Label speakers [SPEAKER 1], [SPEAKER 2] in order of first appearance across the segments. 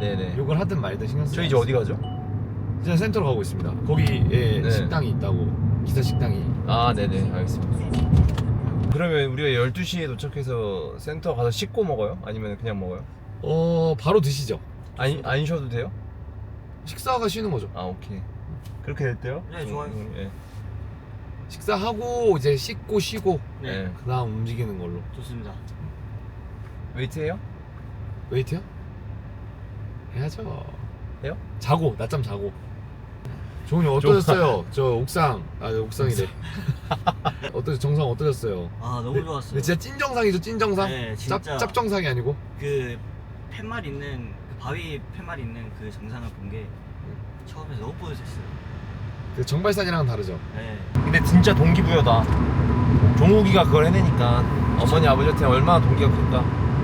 [SPEAKER 1] 네네.
[SPEAKER 2] 욕을 하든 말든 신경 쓰지
[SPEAKER 1] 저희 이제 어디 가죠?
[SPEAKER 2] 이제 센터로 가고 있습니다. 거기에
[SPEAKER 1] 네.
[SPEAKER 2] 식당이 있다고. 기사 식당이.
[SPEAKER 1] 아 네네 알겠습니다. 그러면 우리가 12시에 도착해서 센터 가서 씻고 먹어요? 아니면 그냥 먹어요?
[SPEAKER 2] 바로 드시죠.
[SPEAKER 1] 안 쉬어도 돼요?
[SPEAKER 2] 식사가 쉬는 거죠.
[SPEAKER 1] 아 오케이. 그렇게 됐대요?
[SPEAKER 3] 네, 좋아요.
[SPEAKER 1] 예.
[SPEAKER 2] 식사하고 이제 씻고 쉬고
[SPEAKER 1] 네.
[SPEAKER 2] 그다음 움직이는 걸로.
[SPEAKER 3] 좋습니다.
[SPEAKER 1] 웨이트해요?
[SPEAKER 2] 웨이트요? 해야죠.
[SPEAKER 1] 해요?
[SPEAKER 2] 자고 낮잠 자고. 종훈이 어떠셨어요? 저 옥상이래. 정상 어떠셨어요?
[SPEAKER 3] 아 너무 좋았어요.
[SPEAKER 2] 근데 진짜 찐정상이죠, 찐정상?
[SPEAKER 3] 네, 진짜.
[SPEAKER 2] 짭정상이 아니고.
[SPEAKER 3] 그 팻말 있는 그 바위 팻말 있는 그 정상을 본 게 처음에 너무 뿌듯했어요.
[SPEAKER 2] 그 정발산이랑은 다르죠.
[SPEAKER 3] 네.
[SPEAKER 1] 근데 진짜 동기부여다. 종욱이가 그걸 해내니까 어머니 아버지한테 얼마나 동기가 클까.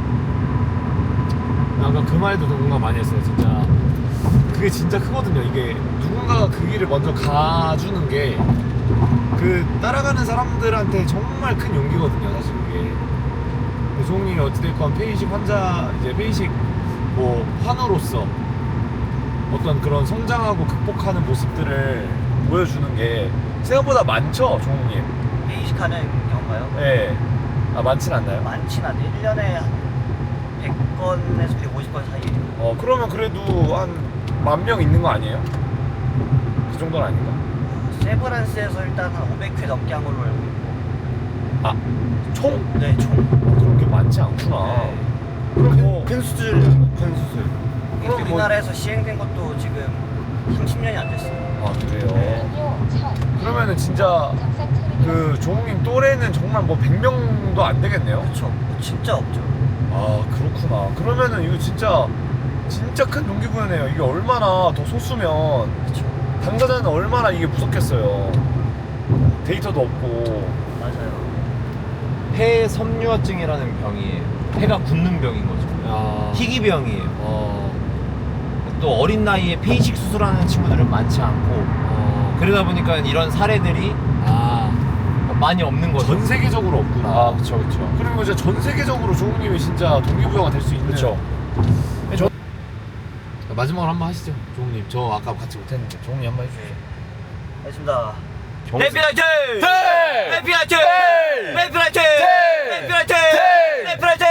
[SPEAKER 2] 아까 그 말도 공감 많이 했어요. 진짜 그게 진짜 크거든요. 이게 누군가가 그 길을 먼저 가주는 게 그 따라가는 사람들한테 정말 큰 용기거든요. 사실 그게. 종훈이 어찌됐건 폐의식 환자, 이제 폐의식 뭐 환우로서 어떤 그런 성장하고 극복하는 모습들을 보여주는 게 생각보다 많죠, 종훈이.
[SPEAKER 3] 회의식하는 경우가요?
[SPEAKER 2] 네. 아, 많진 않나요?
[SPEAKER 3] 많진 않아요. 1년에 한 100건에서 150건 사이에요.
[SPEAKER 2] 그러면 그래도 한 10,000명 있는 거 아니에요? 그 정도는 아닌가?
[SPEAKER 3] 세브란스에서 일단 한 500회 넘게 한 걸로 알고 있고.
[SPEAKER 2] 아, 총?
[SPEAKER 3] 네, 총.
[SPEAKER 2] 그런 게 많지 않구나.
[SPEAKER 3] 네.
[SPEAKER 2] 그럼 뭐
[SPEAKER 1] 큰 수술이죠. 큰 수술.
[SPEAKER 3] 이게
[SPEAKER 2] 그럼 뭐-
[SPEAKER 3] 우리나라에서 시행된 것도 지금 30년이 안 됐어요.
[SPEAKER 2] 아, 그래요? 그러면은 진짜 그 종욱님 또래는 정말 뭐 100명도 안 되겠네요?
[SPEAKER 3] 그렇죠. 진짜 없죠.
[SPEAKER 2] 아, 그렇구나. 그러면은 이거 진짜 큰 동기부여네요. 이게 얼마나 더 소수면
[SPEAKER 3] 그렇죠.
[SPEAKER 2] 당사자는 얼마나 이게 무섭겠어요. 데이터도 없고.
[SPEAKER 3] 맞아요.
[SPEAKER 1] 폐 섬유화증이라는 병이에요. 폐가 굳는 병인 거죠.
[SPEAKER 2] 야.
[SPEAKER 1] 희귀병이에요. 또 어린 나이에 폐이식 수술하는 친구들은 많지 않고 그러다 보니까 이런 사례들이 많이 없는 거죠.
[SPEAKER 2] 전 세계적으로 없구나.
[SPEAKER 1] 아 그쵸.
[SPEAKER 2] 그리고 이제 전 세계적으로 종욱님이 진짜 동기부여가 될 수 있는.
[SPEAKER 1] 그쵸.
[SPEAKER 2] 마지막으로 한번 하시죠, 종욱님. 저 아까 같이 못했는데 종욱님 한번 해주세요.
[SPEAKER 3] 알겠습니다.
[SPEAKER 1] 정수-
[SPEAKER 3] 해피라이트!
[SPEAKER 2] 네!
[SPEAKER 3] 해피라이트!
[SPEAKER 2] 네!
[SPEAKER 3] 해피라이트!
[SPEAKER 2] 네!
[SPEAKER 3] 해피라이트!
[SPEAKER 2] 네!
[SPEAKER 3] 해피라이트!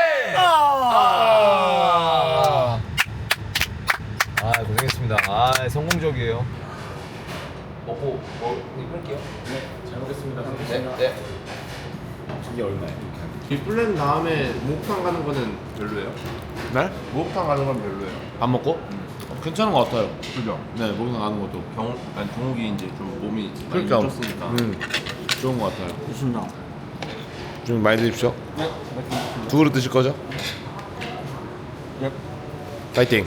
[SPEAKER 1] 고생했습니다. 성공적이에요. 먹고 끊을게요.
[SPEAKER 2] 잘 먹겠습니다.
[SPEAKER 1] 네.
[SPEAKER 2] 이게 얼마예요?
[SPEAKER 4] 이 플랜 다음에 목욕탕 가는 거는 별로예요?
[SPEAKER 2] 네?
[SPEAKER 4] 목욕탕 가는 건 별로예요.
[SPEAKER 2] 밥 먹고? 괜찮은 것 같아요.
[SPEAKER 4] 그죠?
[SPEAKER 2] 네, 목욕탕 가는 것도.
[SPEAKER 4] 종욱이 이제 좀 몸이 많이
[SPEAKER 2] 그러니까.
[SPEAKER 4] 늦었으니까.
[SPEAKER 2] 좋은 것 같아요.
[SPEAKER 3] 좋습니다.
[SPEAKER 2] 좀 많이 드십시오. 두 그릇 드실 거죠?
[SPEAKER 4] 네.
[SPEAKER 2] 파이팅.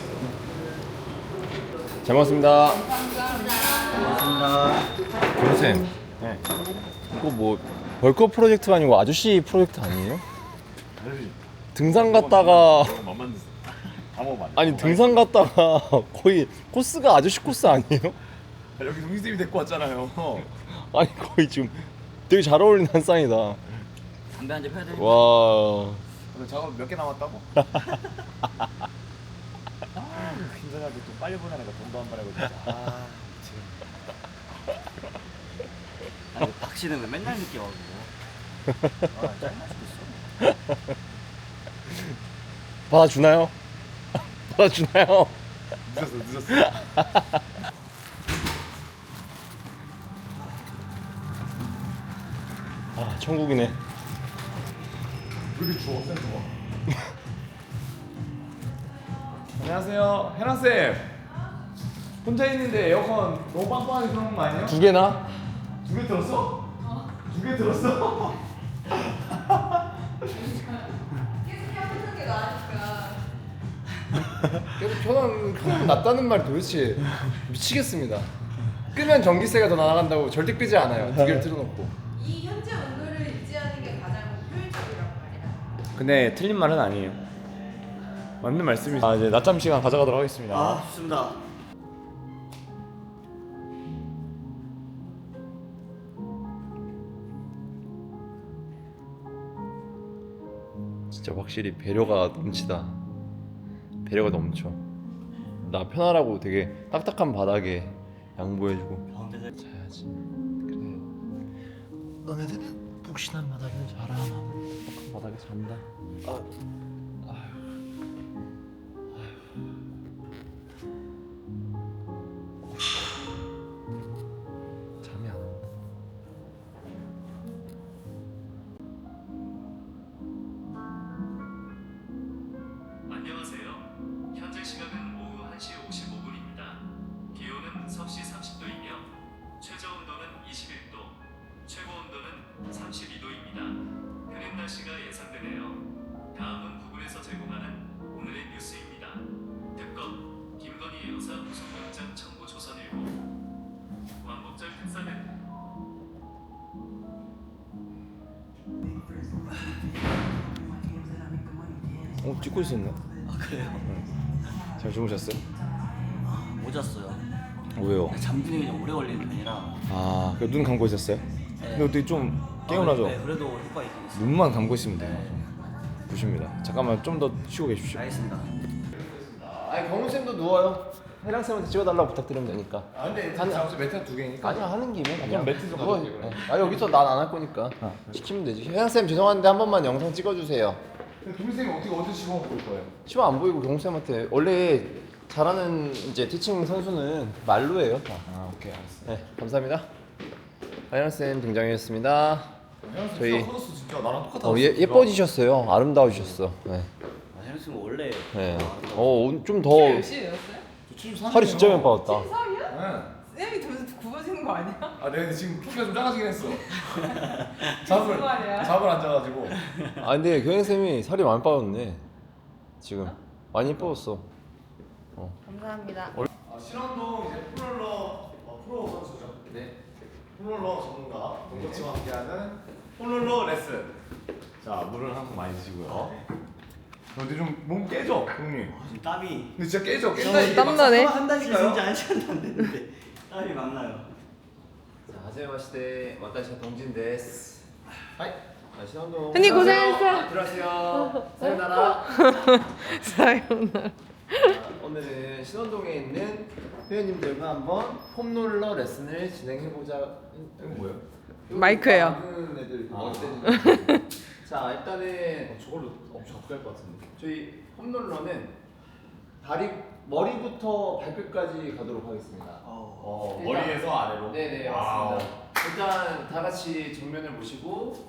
[SPEAKER 4] 잘 먹었습니다.
[SPEAKER 3] 고맙습니다.
[SPEAKER 1] 교수님.
[SPEAKER 4] 네.
[SPEAKER 1] 이거 뭐 벌크 프로젝트가 아니고 아저씨 프로젝트 아니에요? 등산 갔다가
[SPEAKER 4] 맛만 드세요. 다 먹으면 안 돼.
[SPEAKER 1] 아니 등산 갔다가 거의 코스가 아저씨 코스 아니에요?
[SPEAKER 4] 여기 동기쌤이 데리고 왔잖아요.
[SPEAKER 1] 아니 거의 지금 되게 잘 어울리는 한 쌍이다.
[SPEAKER 3] 담배 한 잔 펴야 되니까.
[SPEAKER 1] 와.
[SPEAKER 4] 오늘 작업 몇 개 남았다고? 힘들하게 또 빨리 보내니까 돈도 안 받아고 진짜.
[SPEAKER 3] 아니, 박 씨는 왜 맨날 늦게 와가지고. 짜증나 죽겠어.
[SPEAKER 1] 받아주나요? 받아주나요?
[SPEAKER 4] 늦었어.
[SPEAKER 1] 천국이네.
[SPEAKER 4] 왜 이렇게 추워? 센 추워. 안녕하세요, 해나 쌤. 혼자 있는데 에어컨 너무 빵빵하게 들어온 거 아니에요?
[SPEAKER 1] 두 개나?
[SPEAKER 4] 두 개 들었어? 두 개 들었어?
[SPEAKER 1] 계속 편한 낫다는 말이 도대체 미치겠습니다. 끄면 전기세가 더 나간다고 절대 끄지 않아요. 두 개를 틀어놓고.
[SPEAKER 5] 이 현재 온도를 유지하는 게 가장 효율적이란 말이야.
[SPEAKER 4] 근데 틀린 말은 아니에요. 맞는 말씀이죠.
[SPEAKER 1] 이제 낮잠 시간 가져가도록 하겠습니다.
[SPEAKER 3] 아, 좋습니다.
[SPEAKER 1] 진짜 확실히 배려가 넘치다. 배려가 넘쳐.
[SPEAKER 4] 나 편하라고 되게 딱딱한 바닥에 양보해주고
[SPEAKER 3] 가운데서
[SPEAKER 4] 자야지. 그래. 너네들은 푹신한 바닥에 자라. 딱딱한 바닥에 잔다. 잠이 안 온다.
[SPEAKER 6] 안녕하세요. 현재 시각은 오후 1시 55분입니다. 기온은 섭씨 30도이며 최저 온도는 21도, 최고 온도는 32도입니다. 흐린 날씨가 예상되네요. 다음은 부근에서 제공하는 오늘의 뉴스입니다. 특검 김건희 여사 구속영장 청구 조선일보. 광복절 특사는
[SPEAKER 4] 찍고 있었네.
[SPEAKER 3] 아 그래요?
[SPEAKER 4] 잘 주무셨어요?
[SPEAKER 3] 못 잤어요.
[SPEAKER 4] 왜요?
[SPEAKER 3] 잠드는 게 좀 오래 걸리는 편이라.
[SPEAKER 4] 아, 눈 감고 있었어요? 근데 어떻게 좀 개운하죠?
[SPEAKER 3] 네, 그래도 효과 있긴 있어요.
[SPEAKER 4] 눈만 감고 있으면 돼요.
[SPEAKER 3] 네.
[SPEAKER 4] 부십니다. 잠깐만 좀 더 쉬고 계십시오.
[SPEAKER 3] 알겠습니다.
[SPEAKER 1] 아니 경훈 쌤도 누워요. 혜랑 쌤한테 찍어달라고 부탁드리면 되니까.
[SPEAKER 2] 아 근데
[SPEAKER 1] 한-
[SPEAKER 2] 잠시 매트가 2개니까.
[SPEAKER 1] 아니야 하는 김에 그냥
[SPEAKER 2] 매트 좀
[SPEAKER 1] 누워.
[SPEAKER 2] 가져올게요, 그럼.
[SPEAKER 1] 아 여기서 난 안 할 거니까 시키면 되지. 혜랑 쌤 죄송한데 한 번만 영상 찍어주세요.
[SPEAKER 2] 동생이 어떻게 어디 시범 볼 거예요?
[SPEAKER 1] 시험 안 보이고 경훈 쌤한테 원래 잘하는 이제 티칭 선수는 말로 해요. 다.
[SPEAKER 2] 아 오케이 알았어.
[SPEAKER 1] 네 감사합니다. 혜랑 쌤 등장했습니다. 저희-
[SPEAKER 2] 커졌어 진짜 나랑 똑같아.
[SPEAKER 1] 예뻐지셨어요. 아름다우셨어. 네.
[SPEAKER 3] 아, 혜령 씨는 원래
[SPEAKER 1] 네. 좀 더
[SPEAKER 5] 열심히 넣었어요?
[SPEAKER 1] 살이 진짜 많이 빠졌다.
[SPEAKER 5] 73이야? 쌤이 더 굽어지는 거 아니야?
[SPEAKER 2] 아 내가 지금 키가 좀 작아지긴 했어. 잠을
[SPEAKER 5] 무슨 말이야?
[SPEAKER 2] 잠을 안 자가지고.
[SPEAKER 1] 아 근데 경현 쌤이 살이 많이 빠졌네. 지금 많이 예뻐졌어.
[SPEAKER 5] 감사합니다.
[SPEAKER 2] 신원동 이제 폴롤러 프로 선수죠.
[SPEAKER 1] 네.
[SPEAKER 2] 폴롤러 전문가 동거치와 함께하는 폴롤러 레슨. 자 물을 한 번 많이 드시고요. 근데 좀 몸 깨져 형님.
[SPEAKER 3] 지금 땀이
[SPEAKER 2] 근데 진짜 깨져. 깬다 이게.
[SPEAKER 5] 땀나네.
[SPEAKER 3] 한다니까요? 진짜 한 시간도 안 됐는데 땀이 막 나요.
[SPEAKER 1] 자, 하제마시대 와타시가 동진 데스. 하이. 신원동.
[SPEAKER 5] 흔히 고생했어.
[SPEAKER 1] 들어가세요. 사요나라.
[SPEAKER 5] 사요나라.
[SPEAKER 1] 오늘은 신원동에 있는 회원님들과 한번 폼롤러 레슨을 진행해보자. 이거 뭐예요?
[SPEAKER 5] 마이크예요.
[SPEAKER 1] 작은 애들 머리 때리는. 자 일단은
[SPEAKER 2] 저걸로 엄청 가까이 것 같은데.
[SPEAKER 1] 저희 폼롤러는 머리부터 발끝까지 가도록 하겠습니다. 일단-
[SPEAKER 2] 머리에서 아래로.
[SPEAKER 1] 네네
[SPEAKER 2] 와우.
[SPEAKER 1] 맞습니다. 일단 다 같이 정면을 보시고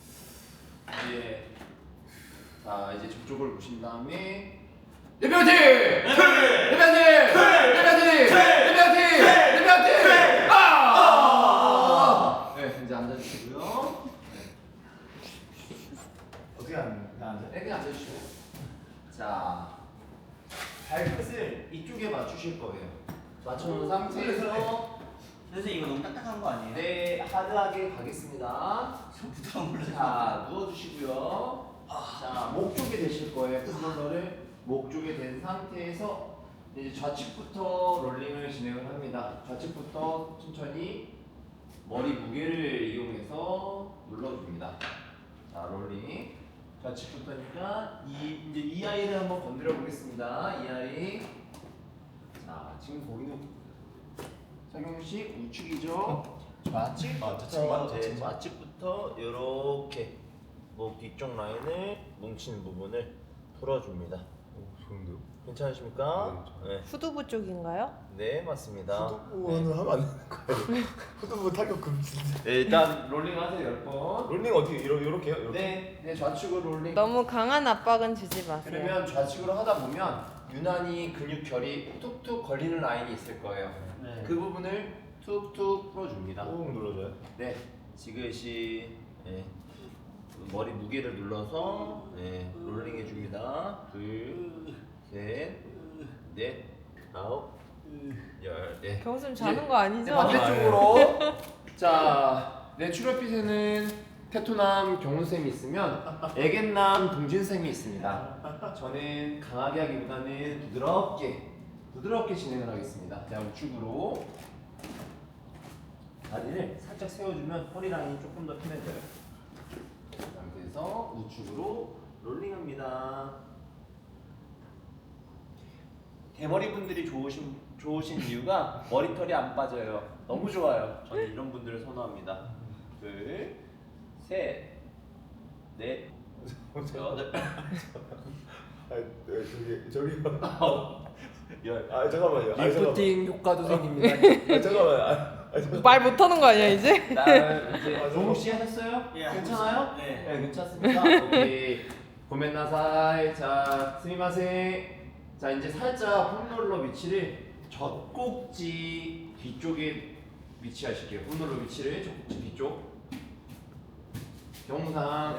[SPEAKER 1] 자 이제 저쪽을 보신 다음에 대표팀! 대표팀! 대표팀! 대표팀! 아! 네 이제 앉아주시고요.
[SPEAKER 2] 어떻게 앉아?
[SPEAKER 1] 이렇게 앉아주시고 자 발끝을 이쪽에 맞추실 거예요. 맞춰놓은 상태에서
[SPEAKER 3] 선생님 이거 너무 딱딱한 거 아니에요?
[SPEAKER 1] 네 하드하게 가겠습니다.
[SPEAKER 3] 저 부드러운 걸로
[SPEAKER 1] 자 누워주시고요. 자 목 쪽에 대실 거예요. 폼롤러를 목 쪽에 댄 상태에서 이제 좌측부터 롤링을 진행을 합니다. 좌측부터 천천히 머리 무게를 이용해서 눌러줍니다. 자 롤링. 좌측부터니까 이제 이 아이를 한번 건드려 보겠습니다. 이 아이. 자 지금 보이는 착용식 우측이죠. 좌측부터 좌측부터 이렇게 목 뒤쪽 라인을 뭉친 부분을 풀어줍니다.
[SPEAKER 2] 좋은데요?
[SPEAKER 1] 괜찮으십니까? 네,
[SPEAKER 5] 후두부 쪽인가요?
[SPEAKER 1] 네 맞습니다.
[SPEAKER 2] 후두부는 하면 안 되는 거예요. 후두부 타격 금지인데.
[SPEAKER 1] 네, 일단 롤링 하세요 10번.
[SPEAKER 2] 롤링 어떻게 이렇게요? 이렇게?
[SPEAKER 1] 네 좌측으로 롤링.
[SPEAKER 5] 너무 강한 압박은 주지 마세요.
[SPEAKER 1] 그러면 좌측으로 하다 보면 유난히 근육결이 툭툭 걸리는 라인이 있을 거예요.
[SPEAKER 3] 네.
[SPEAKER 1] 그 부분을 툭툭 풀어줍니다.
[SPEAKER 2] 꾹 눌러줘요.
[SPEAKER 1] 네, 지그시 머리 무게를 눌러서 롤링 해줍니다. 둘, 셋, 넷, 아홉, 열. 네.
[SPEAKER 5] 경수님 자는 거 아니죠?
[SPEAKER 1] 반대쪽으로. 자, 내추럴핏에는 테토남 경훈쌤이 있으면 애견남 동진쌤이 있습니다. 저는 강하게 하기보다는 부드럽게 진행을 하겠습니다. 자, 우측으로 다리를 살짝 세워주면 허리 라인이 조금 더 편해져요. 그 상태에서 우측으로 롤링합니다. 대머리 분들이 좋으신 이유가 머리털이 안 빠져요. 너무 좋아요. 저는 이런 분들을 선호합니다. 둘, 셋, 넷, 여덟,
[SPEAKER 2] 저기
[SPEAKER 1] 열.
[SPEAKER 2] 잠깐만요.
[SPEAKER 1] 리프팅 효과도 생깁니다.
[SPEAKER 2] 잠깐만.
[SPEAKER 7] 말 못하는 거 아니야 이제?
[SPEAKER 1] 다음 이제 종욱 씨 하셨어요?
[SPEAKER 3] 예,
[SPEAKER 1] 괜찮아요?
[SPEAKER 3] 네.
[SPEAKER 1] 괜찮습니다. 오케이. 고멘나사이. 자, 스미마세. 자, 이제 살짝 폼롤러 위치를 젖꼭지 뒤쪽에 위치하실게요. 폼롤러 위치를 젖꼭지 뒤쪽. 경상.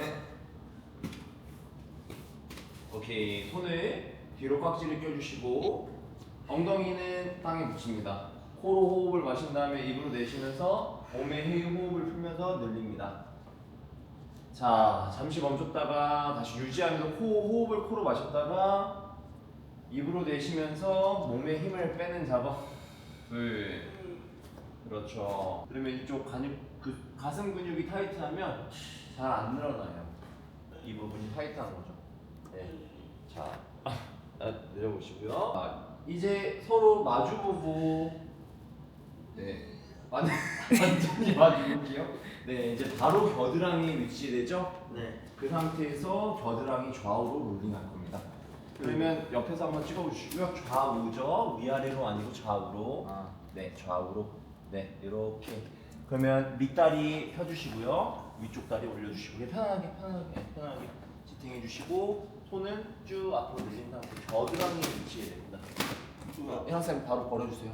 [SPEAKER 1] 오케이. 손을 뒤로 깍지를 껴주시고 엉덩이는 땅에 붙입니다. 코로 호흡을 마신 다음에 입으로 내쉬면서 몸에 해유 호흡을 풀면서 늘립니다. 자, 잠시 멈췄다가 다시 유지하면서 호흡을 코로 마셨다가 입으로 내쉬면서 몸에 힘을 빼는 작업. 둘. 그렇죠. 그러면 이쪽 가슴 근육이 타이트하면 잘 안 늘어나요. 이 부분이 타이트한 거죠. 네. 자, 내려보시고요. 이제 서로 마주보고, 네, 완전히 마주보기요. 네, 이제 바로 겨드랑이 위치되죠.
[SPEAKER 3] 네.
[SPEAKER 1] 그 상태에서 겨드랑이 좌우로 롤링할 겁니다. 그러면 옆에서 한번 찍어주시고요. 좌우죠. 위아래로 아니고 좌우로. 네, 좌우로. 네, 이렇게. 그러면 밑다리 펴주시고요. 위쪽 다리 올려주시고 편하게 지탱해 주시고 손은 쭉 앞으로 늘린 상태 겨드랑이 위치해야 됩니다. 혜랑쌤 바로 버려주세요.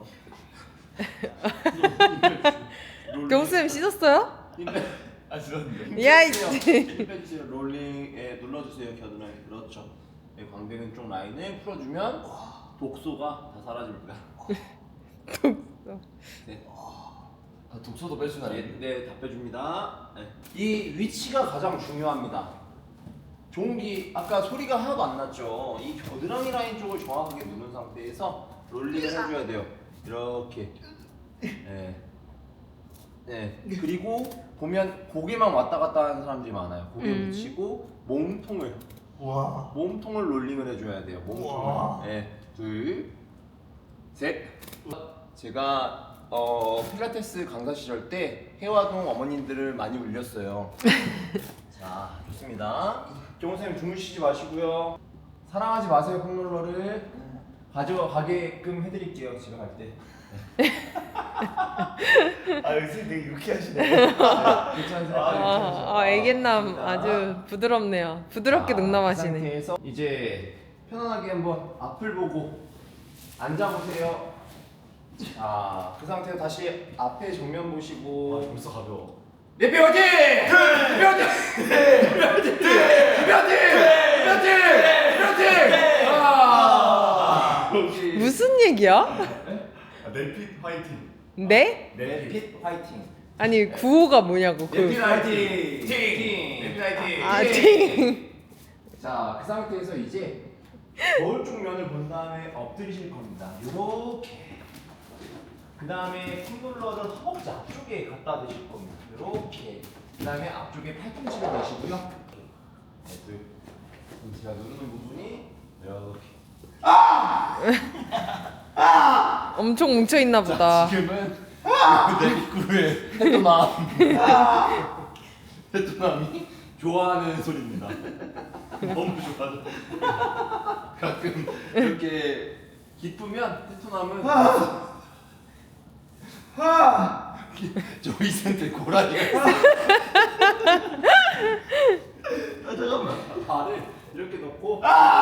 [SPEAKER 7] 경수님 씻었어요?
[SPEAKER 1] 죄송합니다.
[SPEAKER 7] 야,
[SPEAKER 1] 힘 빼주세요. 롤링에 눌러주세요. 겨드랑이. 그렇죠. 네, 광대근 쪽 라인을 풀어주면 독소가 다 사라집니다. 네.
[SPEAKER 4] 독소도 빼주나요?
[SPEAKER 1] 네, 다 빼줍니다. 네. 이 위치가 가장 중요합니다. 종기 아까 소리가 하나도 안 났죠. 이 겨드랑이 라인 쪽을 정확하게 누른 상태에서 롤링을 해줘야 돼요. 이렇게. 네. 네. 그리고 보면 고개만 왔다 갔다 하는 사람들이 많아요. 고개 붙이고 몸통을 롤링을 해줘야 돼요. 몸통을. 네. 둘, 셋. 제가 필라테스 강사 시절 때 해화동 어머님들을 많이 울렸어요. 자, 좋습니다. 경호선생님 주무시지 마시고요. 사랑하지 마세요. 폼롤러를 가져가게끔 해드릴게요. 집에 갈 때.
[SPEAKER 2] 선생님 되게 유쾌하시네.
[SPEAKER 1] 괜찮으세요?
[SPEAKER 7] 애견남 아주 부드럽네요. 부드럽게
[SPEAKER 1] 그
[SPEAKER 7] 능남하시네.
[SPEAKER 1] 상태에서 이제 편안하게 한번 앞을 보고 앉아보세요. 자, 그 상태에서 다시 앞에 정면 보시고.
[SPEAKER 2] 벌써 가벼워.
[SPEAKER 1] 내뼈 화이팅! 내뼈 화이팅! 내뼈 화이팅! 내뼈 화이팅!
[SPEAKER 7] 무슨 얘기야?
[SPEAKER 2] 내핏 화이팅.
[SPEAKER 7] 네?
[SPEAKER 1] 내핏 화이팅.
[SPEAKER 7] 아니 구호가 뭐냐고
[SPEAKER 1] 내핏
[SPEAKER 7] 그.
[SPEAKER 1] 화이팅! 팅! 내핏 화이팅!
[SPEAKER 7] 아 팅.
[SPEAKER 1] 자, 그 상태에서 이제 거울 쪽 면을 본 다음에 엎드리실 겁니다. 요렇게. 그 다음에 폼롤러를 허벅지 앞쪽에 갖다 대실 겁니다. 이렇게. 그 다음에 앞쪽에 팔꿈치를 대시고요. 네, 제가 누르는 부분이 이렇게.
[SPEAKER 7] 엄청 뭉쳐 있나 보다.
[SPEAKER 1] 지금은 내 입구에 테토남이 좋아하는 소리입니다. 너무 좋아하죠. 가끔 이렇게 기쁘면 테토남은 조이센트 고라니가 잠깐만 발을 이렇게 놓고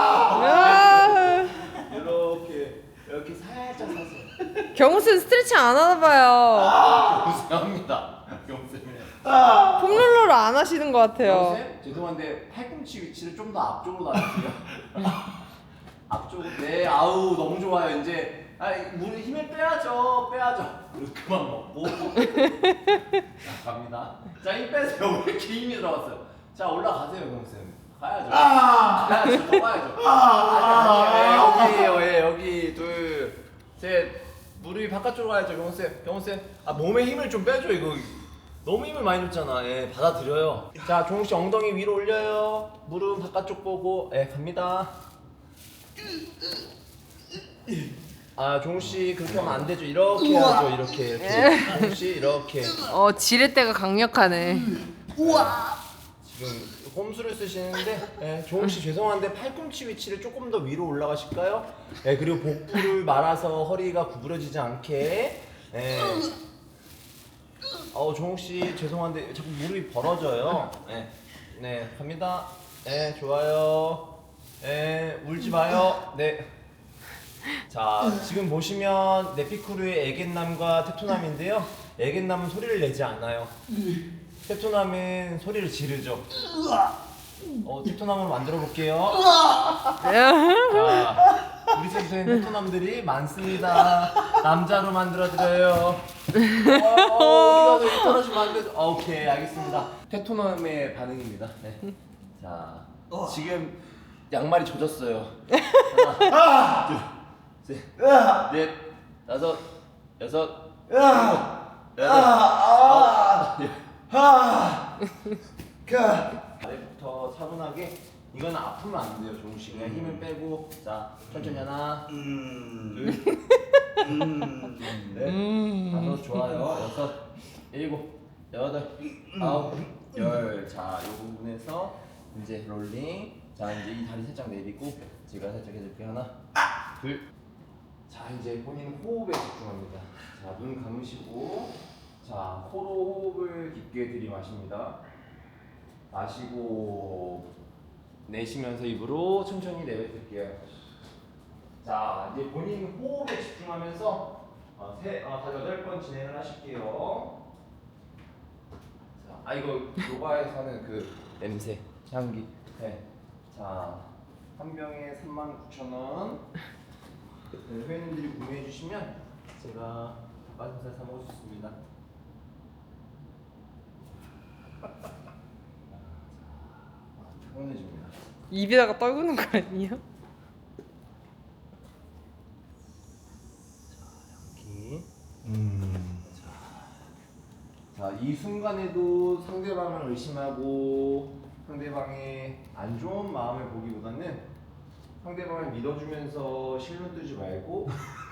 [SPEAKER 1] 이렇게 살짝 사세요.
[SPEAKER 7] 경수는 스트레칭 안 하나 봐요.
[SPEAKER 1] 죄송합니다. 경쌤이네.
[SPEAKER 7] 폼롤러를 안 하시는 것 같아요.
[SPEAKER 1] 경쌤 죄송한데 팔꿈치 위치를 좀 더 앞쪽으로 놔주세요. 앞쪽으로. 네, 아우 너무 좋아요. 이제 물 힘을 빼야죠. 그만 먹고. 자, 갑니다. 자, 힘 빼세요. 왜 이렇게 힘이 들어갔어요? 자, 올라가세요, 경쌤. 가야죠. 가야죠. 더 가야죠. 여기 둘, 셋. 무릎이 바깥쪽으로 가야죠, 경호쌤. 몸에 힘을 좀 빼줘. 이거 너무 힘을 많이 줬잖아. 예, 받아들여요. 자, 종욱 씨 엉덩이 위로 올려요. 무릎 바깥쪽 보고. 예, 갑니다. 아 종우 씨 그렇게 하면 안 되죠. 이렇게 해야죠. 이렇게. 종우 씨 이렇게.
[SPEAKER 7] 지렛대가 강력하네.
[SPEAKER 1] 지금 홈수를 쓰시는데 종우 씨 죄송한데 팔꿈치 위치를 조금 더 위로 올라가실까요? 그리고 복부를 말아서 허리가 구부러지지 않게. 종우 씨 죄송한데 자꾸 무릎이 벌어져요. 네 갑니다. 네 좋아요. 울지 마요. 네. 자 지금 보시면 네피쿠르의 애견남과 테토남인데요. 애견남은 소리를 내지 않아요. 테토남은 소리를 지르죠. 테토남을 만들어 볼게요. 자, 우리 센터엔 테토남들이 많습니다. 남자로 만들어 드려요. 어디가 왜 떨어지면 안 되죠? 오케이 알겠습니다. 테토남의 반응입니다. 네. 자 지금 양말이 젖었어요. 하나, 둘, 셋, 넷, 다섯, 여섯, 일곱, 여덟, 아래부터 차분하게. 이건 아프면 안 돼요, 종우 씨. 그냥 힘을 빼고. 자, 천천히 하나, 둘, 넷, 다섯, 좋아요. 여섯, 일곱, 여덟, 아홉, 열. 자, 이 부분에서 이제 롤링. 자, 이제 이 다리 살짝 내리고 제가 살짝 해줄게요. 하나, 둘. 자, 이제 본인 호흡에 집중합니다. 자, 눈 감으시고, 자, 코로 호흡을 깊게 들이마십니다. 마시고 내쉬면서 입으로 천천히 내뱉을게요. 자, 이제 본인 호흡에 집중하면서 8번 진행을 하실게요. 자, 이거 요가에서 하는 그 냄새, 향기. 네. 자, 한 병에 39,000원. 회원님들이 구매해 주시면 제가 닭가슴살 사 먹을 수 있습니다. 편해집니다.
[SPEAKER 7] 입에다가 떨구는 거 아니에요?
[SPEAKER 1] 자, 이 순간에도 상대방을 의심하고 상대방의 안 좋은 마음을 보기보다는 상대방을 믿어주면서 실눈 뜨지 말고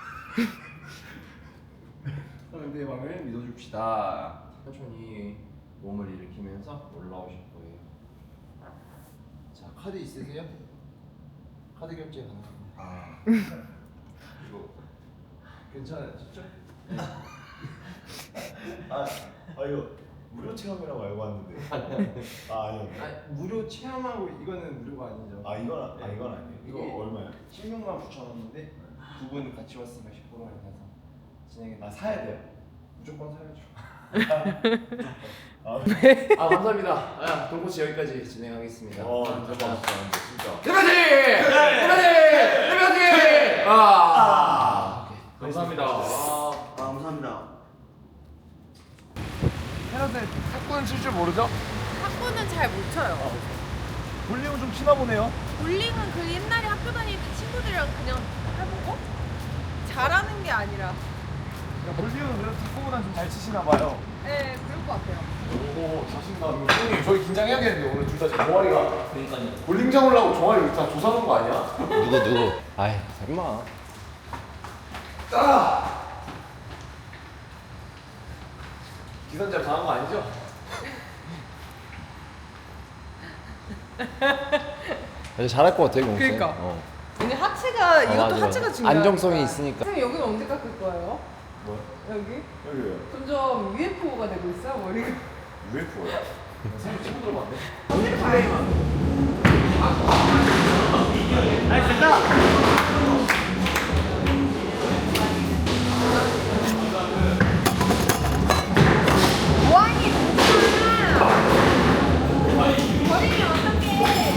[SPEAKER 1] 상대방을 믿어줍시다. 천천히 몸을 일으키면서 올라오실 거예요. 자, 카드 있으세요? 카드 결제 가능합니다. 이거 괜찮으시죠?
[SPEAKER 2] 이거 무료 체험이라고 알고 왔는데. 아니요.
[SPEAKER 1] 무료 체험하고 이거는 무료가 아니죠.
[SPEAKER 2] 이건 아니에요. 이거
[SPEAKER 1] 이게
[SPEAKER 2] 얼마예요?
[SPEAKER 1] 169,000원인데 두 분 같이 왔으면 10% 할인해서 진행해.
[SPEAKER 2] 사야 돼요.
[SPEAKER 1] 무조건 사야죠.
[SPEAKER 2] 네.
[SPEAKER 1] 감사합니다. 돈코치 여기까지 진행하겠습니다.
[SPEAKER 2] 진짜.
[SPEAKER 1] 대표님! 감사합니다.
[SPEAKER 3] 감사합니다.
[SPEAKER 2] 헤라데 탁구는 칠 줄 모르죠?
[SPEAKER 7] 탁구는 잘 못 쳐요.
[SPEAKER 2] 볼링은 좀 치나 보네요.
[SPEAKER 7] 볼링은 그 옛날에 학교 다닐 때 친구들이랑 그냥 해보고 잘하는 게 아니라.
[SPEAKER 2] 볼링은 그래도 탁구보다 좀 잘 치시나 봐요.
[SPEAKER 7] 네, 그럴 것 같아요.
[SPEAKER 2] 오, 자신감. 형님, 저희 긴장해야겠는데 오늘 둘 다 지금 종아리가.
[SPEAKER 3] 그러니까요.
[SPEAKER 2] 볼링장 올라고 종아리 다 조사놓은 거 아니야?
[SPEAKER 1] 누구? 아이, 설마.
[SPEAKER 2] 기선제압 당한 거 아니죠?
[SPEAKER 1] 잘할 것 같아요, 공수.
[SPEAKER 7] 그러니까. 근데 하체가 이것도
[SPEAKER 1] 맞아.
[SPEAKER 7] 하체가 중요하니까.
[SPEAKER 1] 안정성이 있으니까.
[SPEAKER 7] 선생님 여기는 언제 깎을 거예요?
[SPEAKER 2] 뭐?
[SPEAKER 7] 여기?
[SPEAKER 2] 여기요.
[SPEAKER 7] 점점 UFO가 되고 있어요 머리가.
[SPEAKER 2] UFO요? 선생님 친구 들어봤네.
[SPEAKER 7] 어디를 봐요? 뭐하니 진짜. 버리면 어떡해.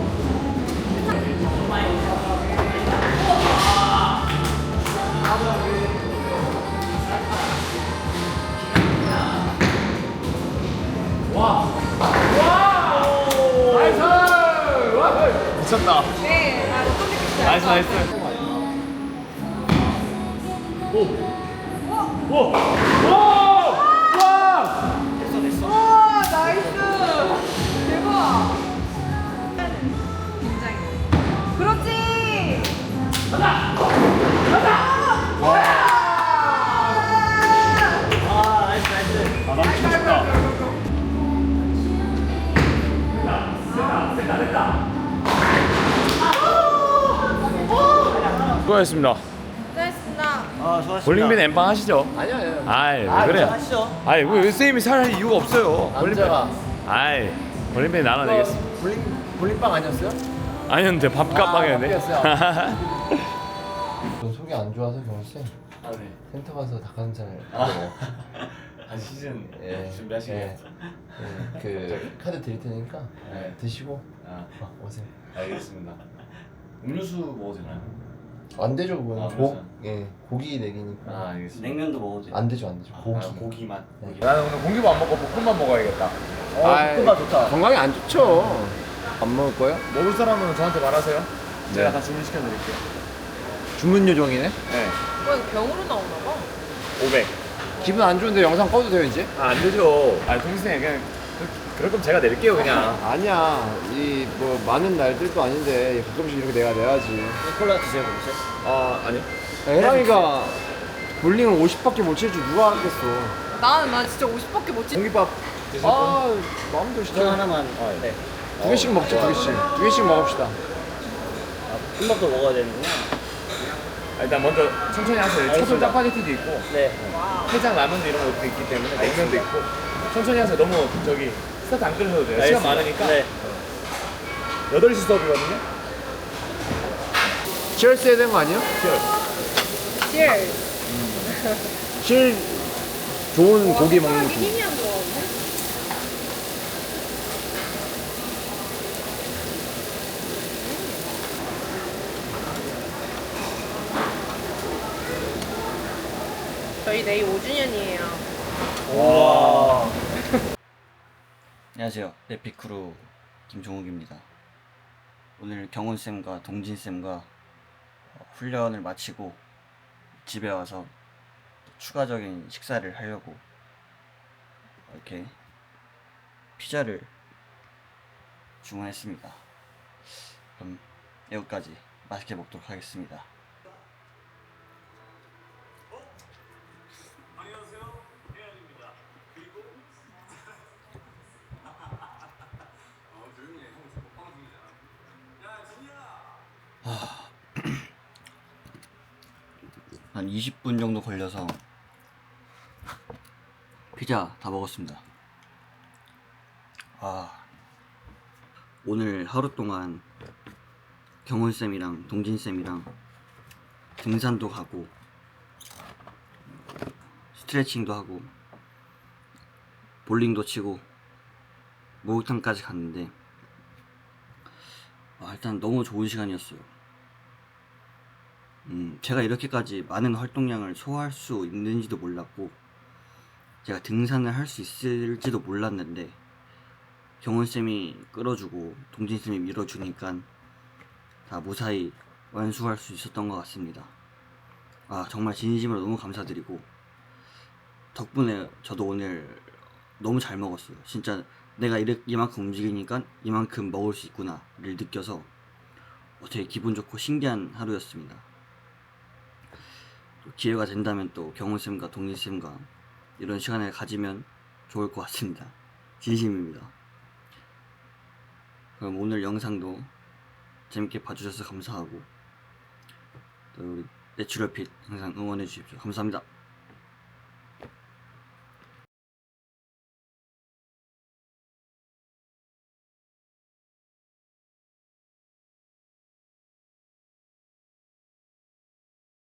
[SPEAKER 2] 미쳤다.
[SPEAKER 7] 네, 어떻게
[SPEAKER 2] 나이스, 나이스.
[SPEAKER 7] 와 나이스 대박 굉장히 그렇지 가자
[SPEAKER 4] 수고하셨습니다.
[SPEAKER 7] 고생했습니다.
[SPEAKER 3] 아 수고하셨습니다.
[SPEAKER 4] 볼링빈 엠빵 하시죠.
[SPEAKER 1] 아니야 아니야.
[SPEAKER 4] 아이 왜 그래?
[SPEAKER 3] 하시죠.
[SPEAKER 4] 아이 왜 쌤이 살 이유가 없어요.
[SPEAKER 1] 남자가
[SPEAKER 4] 아이 볼링빈 나눠 내겠습니다.
[SPEAKER 1] 볼링빵 아니었어요?
[SPEAKER 4] 아니었는데 밥값빵이었네.
[SPEAKER 1] 저 속이 안 좋아서 경호쌤
[SPEAKER 4] 아 네.
[SPEAKER 1] 센터 가서 닭가슴살
[SPEAKER 4] 한 시즌
[SPEAKER 1] 예.
[SPEAKER 4] 준비하시겠죠.
[SPEAKER 1] 예. 그 카드 드릴 테니까
[SPEAKER 4] 네.
[SPEAKER 1] 드시고
[SPEAKER 4] 아
[SPEAKER 1] 오세요.
[SPEAKER 4] 알겠습니다. 음료수 먹어도 되나요?
[SPEAKER 1] 안 되죠 그거는.
[SPEAKER 4] 아, 그렇죠.
[SPEAKER 1] 예 고기 내기니까.
[SPEAKER 4] 아 알겠습니다.
[SPEAKER 3] 냉면도 먹어도 돼.
[SPEAKER 1] 안 되죠 안 되죠. 고기.
[SPEAKER 4] 고기만.
[SPEAKER 1] 네.
[SPEAKER 4] 나는 오늘 공기밥 안 먹고 볶음밥 먹어야겠다.
[SPEAKER 3] 볶음밥 좋다.
[SPEAKER 1] 건강에 안 좋죠. 안 먹을 거예요?
[SPEAKER 4] 먹을 사람은 저한테 말하세요. 제가 다 주문시켜 드릴게요.
[SPEAKER 1] 주문 요정이네.
[SPEAKER 4] 네.
[SPEAKER 7] 이거 병으로 나오나 봐.
[SPEAKER 4] 500.
[SPEAKER 1] 기분 안 좋은데 영상 꺼도 돼요 이제?
[SPEAKER 4] 아, 안 되죠. 아, 동생 그냥 그럴 거면 제가 낼게요, 그냥.
[SPEAKER 1] 아니야. 이 뭐 많은 날들도 아닌데 가끔씩 이렇게 내가 내야지.
[SPEAKER 3] 콜라 드세요, 그러세요?
[SPEAKER 4] 아, 아니요.
[SPEAKER 1] 혜랑이가 볼링을 50밖에 못 칠 줄 누가 알겠어.
[SPEAKER 7] 나 진짜 50밖에 못 치.
[SPEAKER 1] 공깃밥.
[SPEAKER 4] 드실 분?
[SPEAKER 1] 아 마음대로
[SPEAKER 3] 저
[SPEAKER 1] 시켜.
[SPEAKER 3] 하나만. 네.
[SPEAKER 1] 두 개씩 먹자 두 개씩. 두 개씩 먹읍시다.
[SPEAKER 3] 볶음밥도 먹어야 되는구나.
[SPEAKER 4] 아, 일단 먼저 천천히 하세요.
[SPEAKER 3] 알겠습니다.
[SPEAKER 4] 초솔 짜파게티도 있고,
[SPEAKER 3] 네.
[SPEAKER 4] 해장 라면도 이런 것도 있기 때문에 냉면도 있고. 천천히 하세요. 너무 저기 스타트 안 끊으셔도 돼요. 시간 많으니까.
[SPEAKER 3] 네.
[SPEAKER 4] 8시 수업이거든요.
[SPEAKER 1] 치얼스 해야 되는 거 아니야?
[SPEAKER 7] Cheers.
[SPEAKER 1] 제일 좋은 고기 먹는
[SPEAKER 7] 사람이
[SPEAKER 1] 거.
[SPEAKER 7] 힘이 안 좋아하는데? 저희 내일 5주년이에요.
[SPEAKER 3] 와. 안녕하세요. 에피크루 김종욱입니다. 오늘 경훈쌤과 동진쌤과 훈련을 마치고 집에 와서 추가적인 식사를 하려고 이렇게 피자를 주문했습니다. 그럼 여기까지 맛있게 먹도록 하겠습니다. 한 20분 정도 걸려서 피자 다 먹었습니다. 오늘 하루 동안 경훈쌤이랑 동진쌤이랑 등산도 가고 스트레칭도 하고 볼링도 치고 목욕탕까지 갔는데 일단 너무 좋은 시간이었어요. 제가 이렇게까지 많은 활동량을 소화할 수 있는지도 몰랐고 제가 등산을 할 수 있을지도 몰랐는데 경훈쌤이 끌어주고 동진쌤이 밀어주니까 다 무사히 완수할 수 있었던 것 같습니다. 정말 진심으로 너무 감사드리고 덕분에 저도 오늘 너무 잘 먹었어요. 진짜 내가 이만큼 움직이니까 이만큼 먹을 수 있구나를 느껴서 되게 기분 좋고 신기한 하루였습니다. 기회가 된다면 또 경훈쌤과 동진쌤과 이런 시간을 가지면 좋을 것 같습니다. 진심입니다. 그럼 오늘 영상도 재밌게 봐주셔서 감사하고 또 우리 내추럴핏 항상 응원해 주십시오. 감사합니다.